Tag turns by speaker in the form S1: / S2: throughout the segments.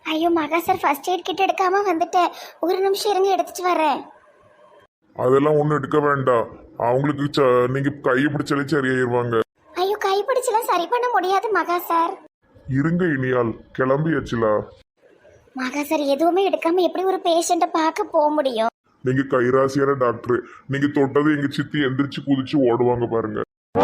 S1: ஐயோ மகா sir, first aid kit எடுக்காம வந்துட்டேன். ஒரு நிமிஷம் இருங்க, எடுத்துட்டு வரேன்.
S2: அதெல்லாம் ஒன்றும் எடுக்க வேண்டாம். அவங்களுக்கு நீங்க கையை பிடிச்சாலே சரியாயிருவாங்க.
S1: ஐயோ, கைப்பிடிச்செல்லாம் சரி பண்ண முடியாது மகா சார்.
S2: இருங்க இனியால், கிளம்பியாச்சுலா.
S1: மகா சார், எதுவுமே எடுக்காம எப்படி ஒரு பேஷண்ட்டை பார்க்க போக முடியும்?
S2: நீங்க கைராசியான டாக்டர். நீங்க தொட்டது எங்க சித்தி எந்திரிச்சு குதிச்சு ஓடுவாங்க பாருங்க.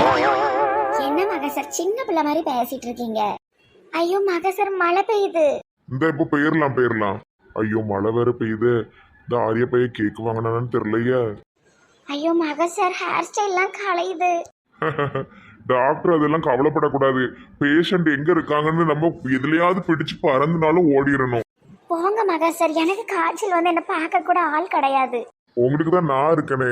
S1: என்ன மகா சார், சின்ன பிள்ளை மாதிரி பேசிட்டு இருக்கீங்க? ஐயோ மகா சார், மழை பெய்யுது.
S2: இந்த இப்ப போயிடலாம். ஐயோ மழை வேற பெய்யுது. இந்த ஆரிய பைய கேக்கு வாங்கினான்னு தெரியலையே.
S1: ஐயோ மகா சார், ஹேர் ஸ்டைல்லாம் கலையுது.
S2: டாக்டர் அதெல்லாம் கவலைப்படக்கூடாது. பேஷண்ட் எங்க இருக்காங்கன்னு நம்ம எதுலயாவது பிடிச்சு பறந்துனாலும் ஓடிடணும்.
S1: போங்க மகா சார், எனக்கு காய்ச்சல் வந்து என்ன பார்க்க கூட ஆள் கிடையாது.
S2: உங்களுக்கு தான் நான் இருக்கனே.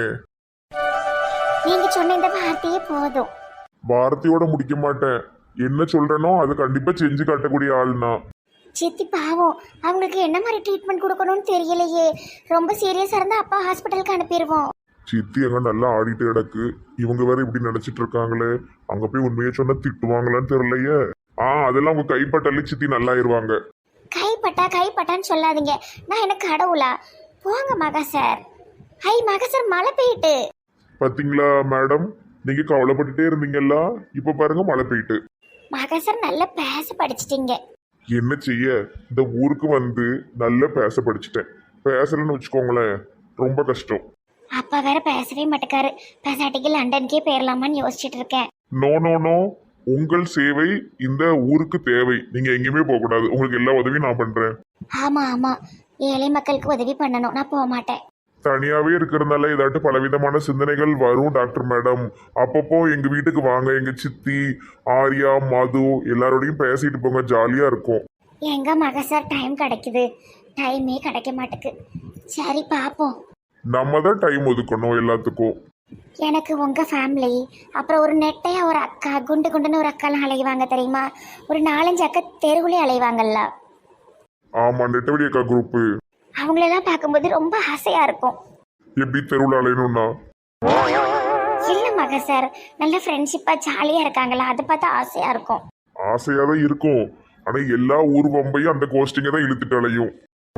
S1: நீங்க சொன்ன இந்த வார்த்தையே போதும்.
S2: வார்த்தையோட முடிக்க மாட்டேன். என்ன சொல்றேனோ அதை கண்டிப்பா செஞ்சு காட்டக்கூடிய ஆள்னா.
S1: சித்தி பாவம், அவங்களுக்கு என்ன மாதிரி ட்ரீட்மெண்ட் கொடுக்கணும்னு தெரியலையே. ரொம்ப சீரியஸா இருந்தா அப்பா ஹாஸ்பிட்டலுக்கு அனுப்பிடுவோம்.
S2: சித்தி எங்க நல்லா ஆடிட்டு கிடக்கு. இவங்க வேற இப்படி நினைச்சிட்டு இருக்காங்களே. அங்க போய் உண்மையை சொன்னா திட்டுவாங்களான்னு தெரியலையே. அதெல்லாம் உங்க கைப்பட்டாலே சித்தி நல்லாயிருவாங்க.
S1: கைப்பட்டான்னு சொல்லாதீங்க. நான் என்ன கடவுளா? போங்க மகா சார். ஹை மகா சார், மழை பெய்யிட்டு.
S2: பாத்தீங்களா மேடம், நீங்க கவலைப்பட்டுட்டே இருந்தீங்கல்ல, இப்ப பாருங்க மழை பெய்யிட்டு.
S1: மகா சார், நல்லா பேச படிச்சிட்டீங்க.
S2: என்ன செய்ய, இந்த ஊருக்கு வந்து நல்லா பேச படிச்சுட்டேன். பேசலன்னு வச்சுக்கோங்களேன், ரொம்ப கஷ்டம்.
S1: அப்பா வேற பேசவே மாட்டேக்காரு. பேசாட்டிக்கு லண்டனுக்கே போயிடலாமான்னு யோசிச்சுட்டு இருக்கேன்.
S2: நோ நோ நோ, உங்கள் சேவை இந்த ஊருக்கு தேவை. நீங்க எங்கேயுமே போக கூடாது. உங்களுக்கு எல்லா உதவியும் நான் பண்றேன்.
S1: ஆமா, ஏழை மக்களுக்கு உதவி பண்ணணும். நான் போக மாட்டேன்.
S2: தனியாவே இருக்கிறதுனால ஏதாட்டு பலவிதமான சிந்தனைகள் வரும் டாக்டர் மேடம். அப்பப்போ எங்க வீட்டுக்கு வாங்க. எங்க சித்தி, ஆர்யா, மது எல்லாரோடையும் பேசிட்டு போங்க. ஜாலியா இருக்கும்.
S1: எங்க மகா சார் டைம் கிடைக்குது? டைமே கிடைக்க மாட்டேக்கு. சரி பாப்போம்.
S2: நம்ம தான் டைம் ஒதுக்கணும் எல்லாத்துக்கும்.
S1: எனக்கு உங்க ஃபேமிலி, அப்புறம் ஒரு நெட்டையா ஒரு அக்கா, குண்டு குண்டுன்னு ஒரு அக்காலாம் அலைவாங்க தெரியுமா? ஒரு 4-5 அக்கா தெருவுலே அலைவாங்கல்ல.
S2: ஆமா, நெட்டவெளி அக்கா குரூப்.
S1: அவங்களெல்லாம் பார்க்கும்போது ரொம்ப ஆசையா இருக்கும்.
S2: எப்படி தெருவில் அலையணும்னா?
S1: இல்ல மகா சார், நல்ல ஃப்ரெண்ட்ஷிப்பா ஜாலியா இருக்காங்களா, அதை பார்த்தா ஆசையா இருக்கும்.
S2: ஆசையா தான் இருக்கும். ஆனா எல்லா ஊர் வம்பையும் அந்த கோஸ்டிங்க தான் இழுத்துட்டு அலையும்.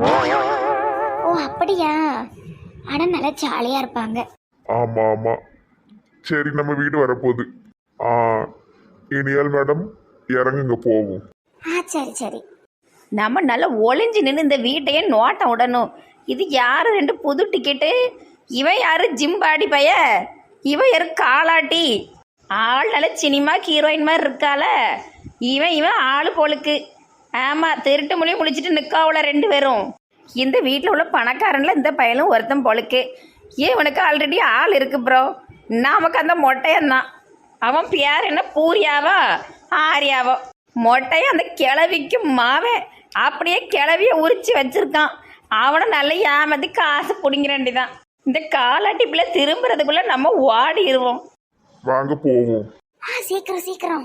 S1: ஓ அப்படியா? ஆனா நல்லா ஜாலியா இருப்பாங்க.
S2: ஆமா ஆமா. சரி, நம்ம வீடு வரப்போகுது. இனியால் மேடம், இறங்குங்க போவோம்.
S1: சரி.
S3: நம்ம நல்லா ஒளிஞ்சு நின்று இந்த வீட்டையே நோட்டம் விடணும். இது யாரு 2 புது டிக்கெட்டு? இவன் யாரு ஜிம்பாடி பைய? இவன் யாரு காலாட்டி? ஆள் நல்ல சினிமா ஹீரோயின் மாதிரி இருக்கால. இவன் ஆள் போலுக்கு. ஆமாம், திருட்டு மொழி முழிச்சிட்டு நிற்காவுல 2 பேரும். இந்த வீட்டில் உள்ள பணக்காரனில் இந்த பையனும் ஒருத்தன் போலுக்கு. இவனுக்கு ஆல்ரெடி ஆள் இருக்கு ப்ரோ. நமக்கு அந்த மொட்டையந்தான். அவன் பேர் என்ன, பூரியாவா ஆரியாவோ? மொட்டையும் அந்த கிளவிக்கு மாவன் அப்படியே கிளவிய உரிச்சு வச்சிருக்கான். அவனை நல்ல ஏமாத்தி காசு பிடிங்கிறண்டி தான். இந்த காலாட்டி பிள்ளை திரும்புறதுக்குள்ள நம்ம ஓடிடுவோம்.
S2: வாங்க போவோம்.
S1: சீக்கிரம்.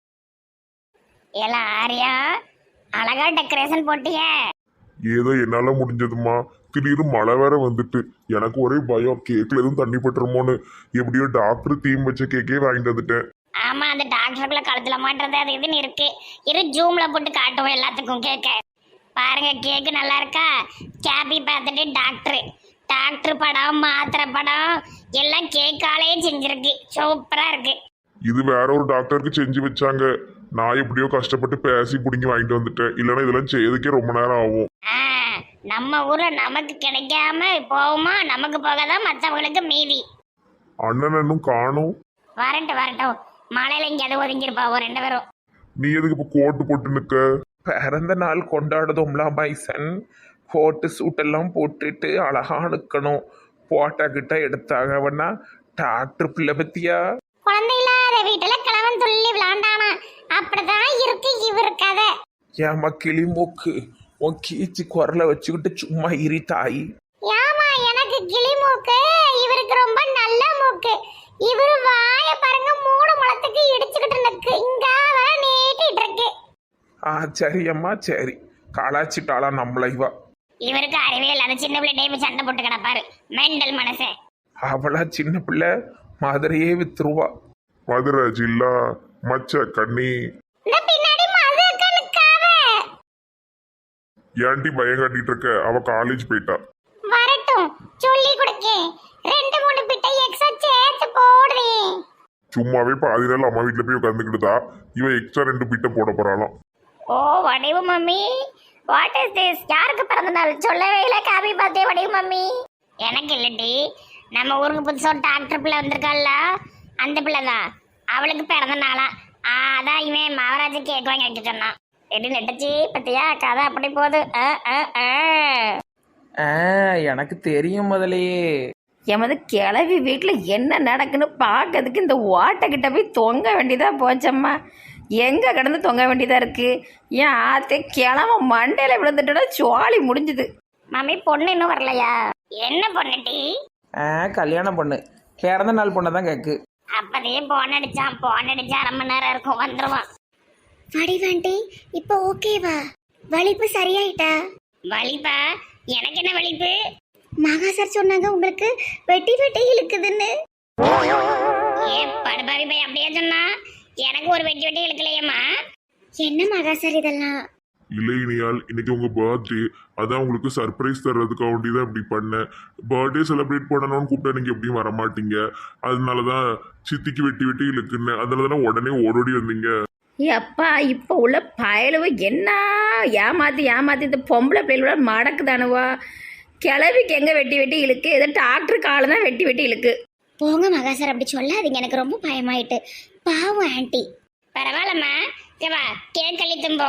S1: எல்லாம் ஆரியா, அழகா டெக்கரேஷன் போட்டிய.
S2: ஏதோ என்னால முடிஞ்சதுமா. திடீர்னு மழை வேற வந்துட்டு எனக்கு ஒரே பயம். கேக்ல எதுவும் தண்ணி பட்டுருமோன்னு. எப்படியோ டாக்டர் தீம் வச்ச கேக்கே வாங்கிட்டு வந்துட்டேன்.
S1: ஆமா, அந்த டாக்டருக்குள்ள கழுத்துல மாட்டுறது அது இதுன்னு இருக்கு. ஜூம்ல போட்டு காட்டுவோம் எல்லாத்துக்கும் கேக்க. பாருங்க, கேக்கு நல்லா இருக்கா? கேபி பார்த்துட்டு டாக்டர் படம், மாத்திரை படம் எல்லாம் கேக்காலே செஞ்சிருக்கு. சூப்பரா இருக்கு.
S2: இது வேற ஒரு டாக்டருக்கு செஞ்சு வச்சாங்க. நான் எப்படியோ கஷ்டப்பட்டு பேசி பிடிங்கி வாங்கிட்டு வந்துட்டேன். இல்லைன்னா இதெல்லாம் செய்யறதுக்கே ரொம்ப நேரம் ஆகும்.
S1: நம்ம ஊர்ல நமக்கு கிடைக்காம போகுமா? நமக்கு போகதான் மற்றவங்களுக்கு மீதி.
S2: அண்ணன் இன்னும் காணும்.
S1: வரட்டும். மழையில எங்கேயாவது ஒதுங்கிருப்பா 2 பேரும்.
S2: நீ எதுக்கு இப்ப கோட்டு போட்டு நிக்க?
S4: பிறந்த நாள் கொண்டாடுதோம்ல பைசன். கோட்டு சூட்டெல்லாம் போட்டுட்டு அழகா நிற்கணும். போட்டா கிட்ட எடுத்தாகவனா டாக்டர் பிள்ளை பத்தியா?
S1: குழந்தை இல்லாத வீட்டுல கிழவன் துள்ளி விளாண்டானா, அப்படிதான் இருக்கு இவரு கதை.
S4: ஏமா கிளிமூக்கு, உன் கீச்சு குரலை வச்சுக்கிட்டு சும்மா இரி தாய்.
S1: ஏமா எனக்கு கிளி மூக்கு, இவருக்கு ரொம்ப நல்ல மூக்கு. இவரு வாய பாருங்க, 3 முழத்துக்கு இடிச்சுக்கிட்டு நிக்கு. இங்க வர நீட்டிட்டு இருக்கு.
S4: சரி அம்மா சரி. கலாச்சிட்டாளா நம்மள இவா?
S1: இவருக்கு அறிவே இல்லாத சின்ன பிள்ளை டைம் சண்டை போட்டு கிடப்பாரு. மெண்டல் மனசே.
S4: அவளா சின்ன பிள்ளை மதுரையே வித்துருவா.
S2: மதுரை ஜில்லா மச்ச கண்ணி.
S1: இந்த பின்னாடி மது அக்கா நிக்காவ.
S2: ஏன்டி பயம் காட்டிட்டு இருக்க? அவ காலேஜ் போயிட்டா.
S1: வரட்டும், சொல்லி கொடுக்கேன். 2-3 பிட்டை எக்ஸ்ட்ரா சேர்த்து போடுறேன்.
S2: சும்மாவே பாதி நாள் அம்மா வீட்டுல போய் உட்காந்துக்கிட்டுதா, இவ எக்ஸ்ட்ரா 2 பிட்ட போட போறாளாம்.
S1: ஓ வடிவு மம்மி, வாட் இஸ் திஸ்? யாருக்கு பிறந்த நாள் சொல்லவே இல்லை. காபி பார்த்தே வடிவு மம்மி. எனக்கு இல்லடி, நம்ம ஊருக்கு புதுசாக ஒரு டாக்டர் பிள்ளை வந்திருக்காள்ல, அந்த பிள்ளை தான். அவளுக்கு பிறந்த நாளா. அதான் இவன் மகாராஜா கேக் வாங்கி வைக்க சொன்னான். எடி நெட்டச்சி பத்தியா கதை அப்படி போகுது.
S4: எனக்கு தெரியும் முதலையே.
S3: எமது கிளவி வீட்டில் என்ன நடக்குன்னு பார்க்கறதுக்கு இந்த ஓட்டைக்கிட்ட போய் தொங்க வேண்டியதாக போச்சம்மா. எங்கே கிடந்து தொங்க வேண்டியதாக இருக்குது. ஏன் ஆத்தே கிளம்ப மண்டையில் விழுந்துட்டோட சோழி முடிஞ்சுது.
S1: மம்மி பொண்ணு இன்னும் வரலையா? என்ன பொண்ணுட்டி?
S4: கல்யாண பொண்ணு, பிறந்த நாள் பொண்ணை தான் கேக்கு.
S1: அப்பதையே போன் அடிச்சான் 1/2 மணி நேரம் இருக்கும், வந்துருவான். வடிவாண்டி இப்போ ஓகேவா? வலிப்பு சரியாயிட்டா? வலிப்பா? எனக்கு என்ன வலிப்பு? மகா சார் சொன்னாங்க உங்களுக்கு வெட்டி வெட்டி இழுக்குதுன்னு. ஏ படுபாவி போய் அப்படியே சொன்னா? எனக்கு ஒரு வெட்டி வெட்டி இழுக்கலையம்மா. என்ன மகா சார் இதெல்லாம்?
S2: இல்லை இனியால், இன்னைக்கு உங்க பர்த்டே, அதான் உங்களுக்கு சர்ப்ரைஸ் தர்றதுக்காக வேண்டிதான் இப்படி பண்ணேன். பர்த்டே செலிப்ரேட் பண்ணணும்னு கூப்பிட்டா நீங்க எப்படியும் வரமாட்டீங்க. அதனாலதான் சித்திக்கு வெட்டி வெட்டி இழுக்குன்னு, அதனாலதான் உடனே ஓடோடி வந்தீங்க.
S3: எப்பா இப்போ உள்ள பயலுவ என்ன ஏமாத்தி இந்த பொம்பளை பிள்ளைகளோட மடக்குதானுவா. கிளவிக்கு எங்கே வெட்டி வெட்டி இழுக்கு, ஏதோ டாக்டர் காலை தான் வெட்டி வெட்டி இழுக்கு.
S1: போங்க மகா சார், அப்படி சொல்லாதீங்க. எனக்கு ரொம்ப பயமாயிட்டு. பாவம் ஆண்டி. பரவாயில்லம்மா, கேவா கேக் கழி தும்போ.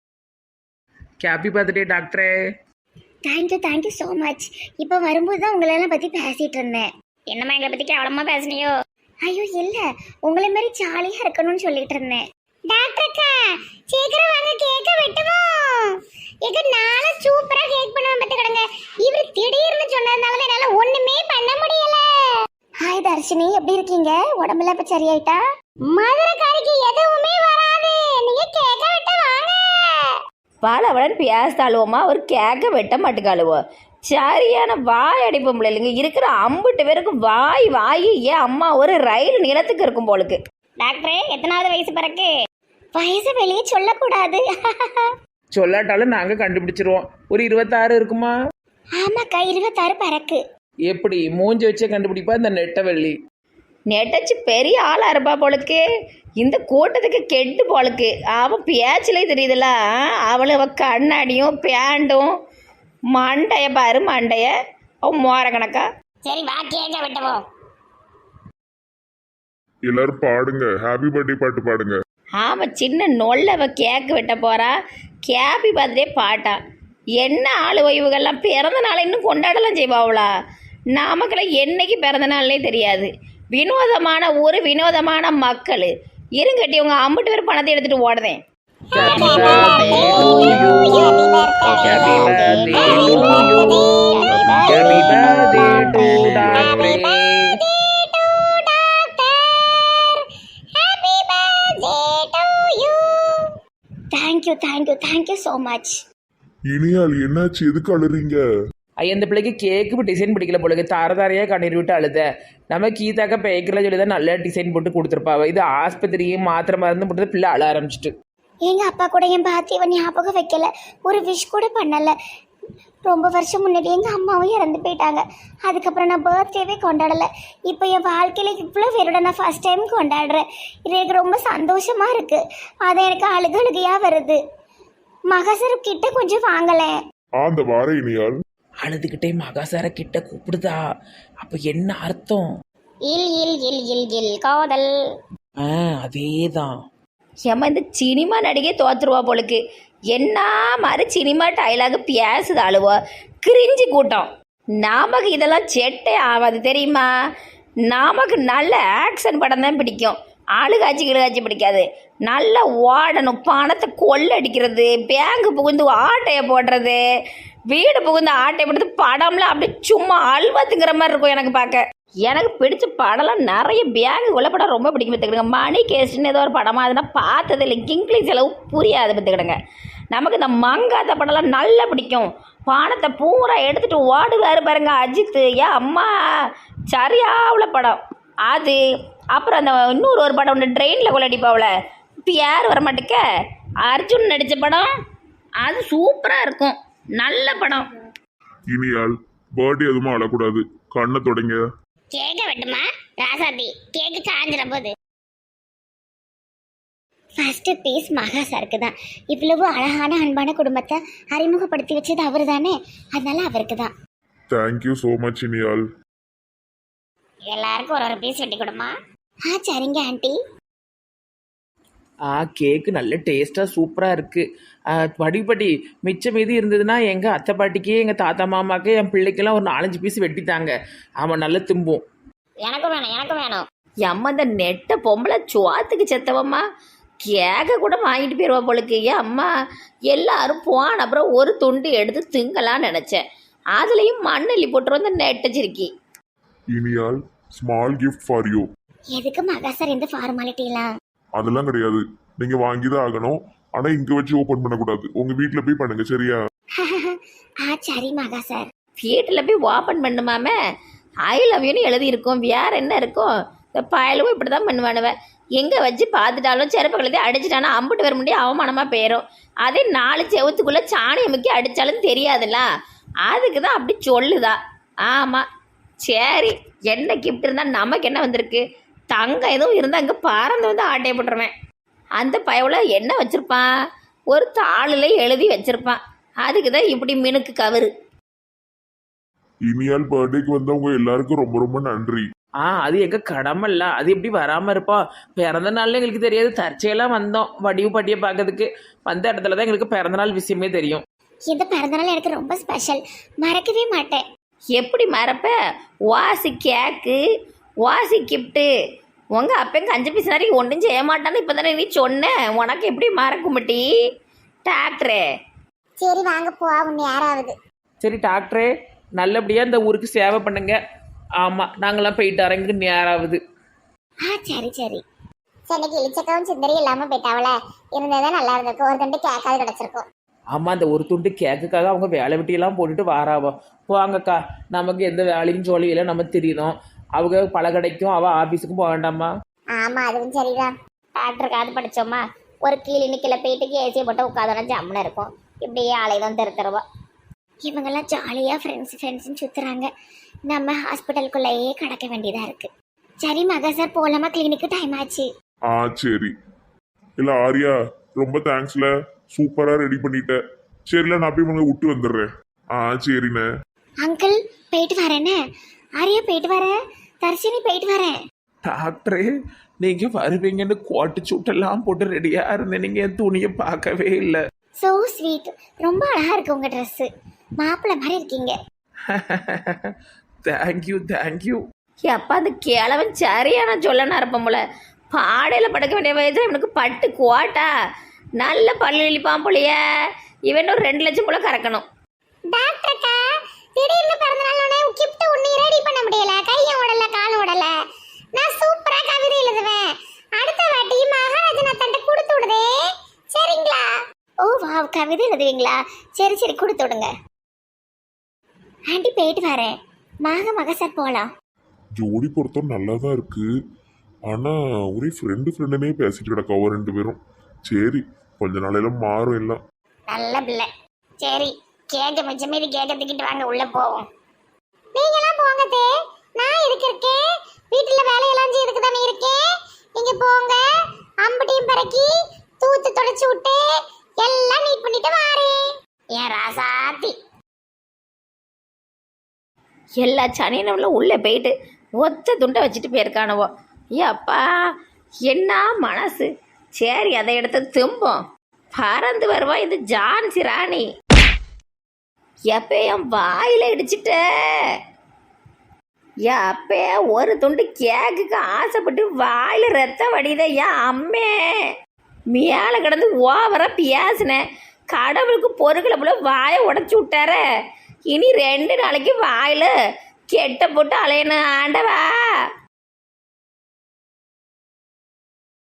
S4: ஹாப்பி பர்த்டே டாக்டரே.
S1: Thank you so much. இப்போ வரும்போது தான் உங்களெல்லாம் பற்றி பேசிகிட்டு இருந்தேன். என்னம்மா எங்களை பற்றி கேவலமாக பேசுனியோ? ஐயோ இல்லை, உங்களை மாதிரி ஜாலியாக இருக்கணும்னு சொல்லிட்டு இருந்தேன். டாக்டர்க்கா சீக்கிரம் வாங்க, கேக்க வெட்டுவோம். எங்க நாளை சூப்பராக கேக் பண்ணுவேன் பார்த்து கிடங்க. இவர் திடீர்னு சொன்னதுனால தான் என்னால் ஒன்றுமே பண்ண முடியல. ஹாய் தர்ஷினி, எப்படி இருக்கீங்க? உடம்புல இப்போ சரியாயிட்டா? மதுரைக்காரிக்கு எதுவுமே வராது, நீங்க கேக்க வெட்ட வாங்க.
S3: பாலவடன் பேசாளுவோமா, ஒரு கேக்க வெட்ட மாட்டுக்காளுவோ. சரியான வாய் அடிப்போம் இல்லைங்க. இருக்கிற 50 பேருக்கு வாய் ஏன் அம்மா ஒரு ரயில் நிலத்துக்கு இருக்கும் போலுக்கு.
S1: டாக்டரே எத்தனாவது வயசு பிறகு? வயசு வெளியே சொல்லக்கூடாது.
S4: சொல்லாட்டாலும் நாங்கள் கண்டுபிடிச்சிருவோம். ஒரு 26 இருக்குமா?
S1: ஆமாக்கா, 26 பிறகு.
S4: எப்படி மூஞ்சி வச்சே கண்டுபிடிப்பா இந்த நெட்டவள்ளி.
S3: நெட்டச்சு பெரிய ஆளாக இருப்பா போலுக்கு. இந்த கூட்டத்துக்கு கெட்டு போலுக்கு. அவன் பேச்சிலே தெரியுதுல்ல. அவள் கண்ணாடியும் பேண்டும் மண்டைய பாரு மண்டைய அவன் மோர கணக்கா.
S1: சரி வா கேக்க விட்டுவோம்.
S2: எல்லாரும் பாடுங்க, ஹாப்பி பர்த்டே பாட்டு பாடுங்க.
S3: ஆமாம், சின்ன நொல்லவ கேக்கு வெட்ட போறா. கேப்பி பர்த்டே பாட்டா. என்ன ஆளு இவங்கெல்லாம் பிறந்த நாளை இன்னும் கொண்டாடலாம் செய்வாங்களா? நமக்கெல்லாம் என்னைக்கு பிறந்த நாள்னே தெரியாது. வினோதமான ஊர், வினோதமான மக்கள். இருங்கட்டி உங்க 50 பேர் பணத்தை எடுத்துட்டு ஓடுதேன்.
S1: Thank you so much.
S2: இனியால் என்னாச்சு, எதுக்கு அழுறீங்க?
S4: இந்த பிள்ளைக்கு கேக்கு டிசைன் பிடிக்கல போலுக்கு. தாரதாரையாக கண்ணீர் விட்டு அழுத. நம்ம கீதாக்க பேக்கரில் சொல்லி தான் நல்ல டிசைன் போட்டு கொடுத்துருப்பாவ. இது ஆஸ்பத்திரியும் மாத்திரை மருந்து போட்டு பிள்ளை அழ ஆரம்பிச்சிட்டு.
S1: எங்க அப்பா கூட என் பாத்தியவன் ஞாபகம் வைக்கல, ஒரு விஷ் கூட பண்ணல. ரொம்ப வருஷம் முன்னாடி எங்கள் அம்மாவும் இறந்து போயிட்டாங்க. அதுக்கப்புறம் நான் பர்த்டேவே கொண்டாடலை. இப்போ என் வாழ்க்கையில் இவ்வளோ பேரோட நான் ஃபஸ்ட் டைம் கொண்டாடுறேன். இது எனக்கு ரொம்ப சந்தோஷமாக இருக்குது. அது எனக்கு அழுகையாக வருது. மகசரு கிட்ட கொஞ்சம் வாங்கலை.
S2: அந்த வார இனியால்
S4: அழுதுகிட்டே மகாசார கிட்ட கூப்பிடுதா. அப்போ என்ன அர்த்தம்?
S1: இல் இல் இல் இல் இல் காதல்.
S4: அதேதான்.
S3: ஏம்மா இந்த சினிமா நடிகை தோத்துருவா போலுக்கு. என்ன மாதிரி சினிமா டைலாக் பேசுது அழுவா. கிரிஞ்சி கூட்டம். நமக்கு இதெல்லாம் செட்டே ஆகாது தெரியுமா. நமக்கு நல்ல ஆக்ஷன் படம் தான் பிடிக்கும். கிழகாச்சி பிடிக்காது. நல்லா ஓடணும், பணத்தை கொள்ளடிக்கிறது, பேங்கு புகுந்து ஆட்டையை போடுறது, வீடு புகுந்து ஆட்டையை போடுறது, படம்லாம் அப்படி சும்மா அல்வத்துங்கிற மாதிரி இருக்கும். எனக்கு பார்க்க எனக்கு பிடிச்ச படம்லாம் நிறைய பேங்கு உள்ள படம் ரொம்ப பிடிக்கும். பார்த்துக்கிடுங்க. மணி கேஸ்ட்னு ஏதோ ஒரு படமாக அதுனா பார்த்தது இல்லை. இங்கிலீஷ் அளவு புரியாது. பார்த்துக்கிடுங்க. நமக்கு இந்த மங்காத்த படம்லாம் நல்லா பிடிக்கும். பணத்தை பூரா எடுத்துகிட்டு ஓடுவார் பாருங்க அஜித். ஏன் அம்மா சரியா உள்ள படம் அது. அப்புறம் அந்த இன்னொரு ஒரு படம் ஒன்று ட்ரெயினில் கொள்ளடிப்பாவில் இப்போ யார் வரமாட்டேக்க, அர்ஜுன் நடித்த படம் அது சூப்பராக இருக்கும். நல்ல படம்.
S2: இனியால் பர்த்டே எதுவுமே அழக்கூடாது, கண்ணை தொடங்க.
S1: கேக்க வெட்டுமா ராசாத்தி, கேக்கு காஞ்சிட போகுது. ஃபர்ஸ்ட் பீஸ் மகா சாருக்கு தான். இவ்வளவு அழகான அன்பான குடும்பத்தை அறிமுகப்படுத்தி வச்சது அவரு தானே, அதனால அவருக்கு தான்.
S2: தேங்க்யூ ஸோ மச் இனியால்.
S1: எல்லாருக்கும் ஒரு பீஸ் வெட்டி கொடுமா. சரிங்க ஆண்டி.
S5: கேக்கு நல்ல டேஸ்ட்டாக சூப்பராக இருக்குது. படிப்படி மிச்சம் மீதி இருந்ததுன்னா எங்கள் அத்தை பாட்டிக்கு எங்கள் தாத்தா மாமாக்கு என் பிள்ளைக்கெல்லாம் ஒரு 4-5 பீஸ் வெட்டித்தாங்க. அவன் நல்லா தும்பும்.
S1: எனக்கும் வேணும், எனக்கும் வேணும்.
S3: எம்ம இந்த நெட்ட பொம்பளை சுவாத்துக்கு செத்தவம்மா கேக்க கூட வாங்கிட்டு போயிடுவா போலுக்கு. ஏன் அம்மா எல்லாரும் போன அப்புறம் ஒரு துண்டு எடுத்து திங்கலான்னு நினச்சேன். அதுலேயும் மண்ணெல்லி போட்டுரு வந்து நெட்டச்சிருக்கி.
S2: இனியால் ஸ்மால் கிஃப்ட் ஃபார் யூ.
S1: எதுக்கு மகா சார் இந்த ஃபார்மாலிட்டிலாம்?
S2: அதெல்லாம் கிடையாது, நீங்க வாங்கி தான் ஆகணும். ஆனா இங்க வச்சு ஓபன் பண்ணக்கூடாது, உங்க வீட்ல போய் பண்ணுங்க சரியா?
S1: சரி மகா சார்.
S3: வீட்டில் போய் ஓப்பன் பண்ணுமாமே. ஐ லவ் யூன்னு எழுதியிருக்கோம், வேற என்ன இருக்கும்? இந்த பயலும் இப்படி தான் பண்ணுவானுவேன். எங்கே வச்சு பார்த்துட்டாலும் செருப்பு கழுதி அடிச்சிட்டானா அம்பிட்டு வர முடியும், அவமானமாக போயிடும். அதே 4 செவத்துக்குள்ளே சாணியை முக்கி அடித்தாலும் தெரியாதுல்ல, அதுக்கு தான் அப்படி சொல்லுதா. ஆமாம் சரி, என்ன கிஃப்ட் இருந்தால் நமக்கு என்ன வந்திருக்கு? தங்கம் எதுவும் இருந்தால் அங்கே பறந்து வந்து ஆட்டையை போட்டுருவேன். அந்த பயவுல என்ன வச்சுருப்பான்? ஒரு தாளில் எழுதி வச்சுருப்பான். அதுக்கு தான் இப்படி மினுக்கு கவரு.
S2: இனியால் பர்த்டேக்கு வந்தவங்க எல்லாருக்கும் ரொம்ப ரொம்ப நன்றி.
S5: அது எங்கள் கடமை இல்லை, அது எப்படி வராமல் இருப்போம்? பிறந்த நாள்ல எங்களுக்கு தெரியாது, தற்செயலாக வந்தோம் வடிவு பாட்டியை பார்க்கறதுக்கு. வந்த இடத்துல தான் எங்களுக்கு பிறந்தநாள் விஷயமே தெரியும்.
S1: இந்த பிறந்தநாள் எனக்கு ரொம்ப ஸ்பெஷல், மறக்கவே மாட்டேன்.
S3: எப்படி மறப்ப? வாசி கேக்கு, வாசி கிஃப்ட்டு. உங்கள் அப்பன் கஞ்சி பீஸ் வரைக்கும் ஒன்றும் செய்ய மாட்டான்னு இப்போ தானே நீ சொன்ன. உனக்கு எப்படி மறக்கும்பட்டி டாக்டரே?
S1: சரி வாங்க போவோம், யாராவது.
S5: சரி டாக்டரே, நல்லபடியாக இந்த ஊருக்கு சேவை பண்ணுங்க. ஆமாம், நாங்களாம் போயிட்டு அரங்கு நேராகுது.
S1: சரி சரி. சென்னைக்கு இளிச்சக்கவும் சிந்தரி இல்லாமல் போயிட்டாவல, இருந்ததான் நல்லா இருந்திருக்கும். ஒரு தண்டு கேக்காது கிடச்சிருக்கும்.
S5: ஆமாம், அந்த ஒரு துண்டு கேக்குக்காக அவங்க வேலை வெட்டியெல்லாம் போட்டுட்டு வாராவோ. போவாங்கக்கா, நமக்கு எந்த வேலையும் சொல்லியில நம்ம தெரியுதோம். அவங்க பல கடைக்கும் அவள் ஆஃபீஸுக்கும் போக வேண்டாமா?
S1: ஆமாம் அதுவும் சரிதான். டாக்டருக்காவது படித்தோமா, ஒரு கிளினிக்கில் போயிட்டு ஏசியை போட்டு உட்காந்தோன்னா ஜம்முன்னு இருக்கும். இப்படியே ஆலைதான் தருவா. இவங்கெல்லாம் ஜாலியாக ஃப்ரெண்ட்ஸ்ன்னு சுற்றுறாங்க. நம்ம ஹாஸ்பிட்டலுக்குள்ளேயே கிடக்க வேண்டியதாக இருக்குது. சரி மகா சார் போகலாமா? கிளினிக்கு டைம் ஆச்சு.
S2: சரி. இல்ல ஆரியா, ரொம்ப தேங்க்ஸ்ல, சூப்பரா ரெடி பண்ணிட்ட. சரில நான் போய் உங்களை விட்டு வந்துடுறேன். சரிண்ணே.
S1: அங்கிள் போயிட்டு வரேன்னு. ஆரியா போயிட்டு வரேன். தர்ஷினி போயிட்டு வரேன்.
S4: டாக்டரே, நீங்கள் வருவீங்கன்னு கோட்டு சூட்டெல்லாம் போட்டு ரெடியாக இருந்தேன். நீங்கள் என் துணியை பார்க்கவே இல்லை.
S1: ஸோ ஸ்வீட், ரொம்ப அழகாக இருக்கு உங்கள் ட்ரெஸ்ஸு. மாப்பிள்ளை மாதிரி இருக்கீங்க.
S4: Thank you thank you.
S3: அப்பா அந்த கிழவன் சரியான சொல்லனா இருப்பான் போல. பாடையில் படுக்க வேண்டிய வயதில் இவனுக்கு பட்டு குவாட்டா நல்ல பல்லு இழிப்பான் போலைய. இவன் ஒரு 2 லட்சம் போல கறக்கணும்.
S1: டாக்டர்க்கா, திடீர்னு பிறந்தநாளோட கிஃப்ட் ஒண்ணு ரெடி பண்ண முடியல. கையும் ஓடல, காலும் ஓடல. நான் சூப்பரா கவிதை எழுதுவேன். அடுத்த வாட்டி மகாராஜனா தண்ட கொடுத்து விடுதே, சரிங்களா? ஓ வாவ், கவிதை எழுதுவீங்களா? சரி சரி, கொடுத்து விடுங்க. ஆண்டி போயிட்டு வரேன். மக சார் போகலாம்.
S2: ஜோடி பொருத்தம் நல்லா தான் இருக்கு. ஆனா ஒரே ஃப்ரெண்டுனே பேசிட்டு கிடக்காவோ 2 பேரும். சரி, கொஞ்ச நாளையில மாறும் எல்லாம்.
S1: நல்ல பிள்ளை. சரி, கேட்க மிச்சம் மீதி கேட்க தூக்கிட்டு வாங்க, உள்ள போவோம். நீங்களாம் போங்க தே, நான் இதுக்கு இருக்கேன். வீட்டுல வேலையெல்லாம் செய்யறதுக்கு தானே இருக்கேன். நீங்க போங்க. அம்புட்டியும் பறக்கி தூத்து தொடச்சு விட்டு எல்லாம் நீட் பண்ணிட்டு வாரேன். ஏன் ராசாத்தி?
S3: எல்லா சனியனும் உள்ளே போயிட்டு ஒத்த துண்டை வச்சுட்டு போயிருக்கானவோ. அப்பா என்ன மனசு. சரி, அதை எடுத்து தும்போம். பறந்து வருவா இது ஜான்சி ராணி. எப்ப என் வாயில இடிச்சிட்ட. அப்ப ஒரு துண்டு கேக்குக்கு ஆசைப்பட்டு வாயில ரத்தம் வடித. அம்மே மேலே கிடந்து ஓவரா பேசினேன். கடவுளுக்கு பொருட்களை போல வாயை உடச்சி விட்டார. இனி 2 நாளைக்கு வாயில கெட்ட போட்டு அலையணும். ஆண்டவா.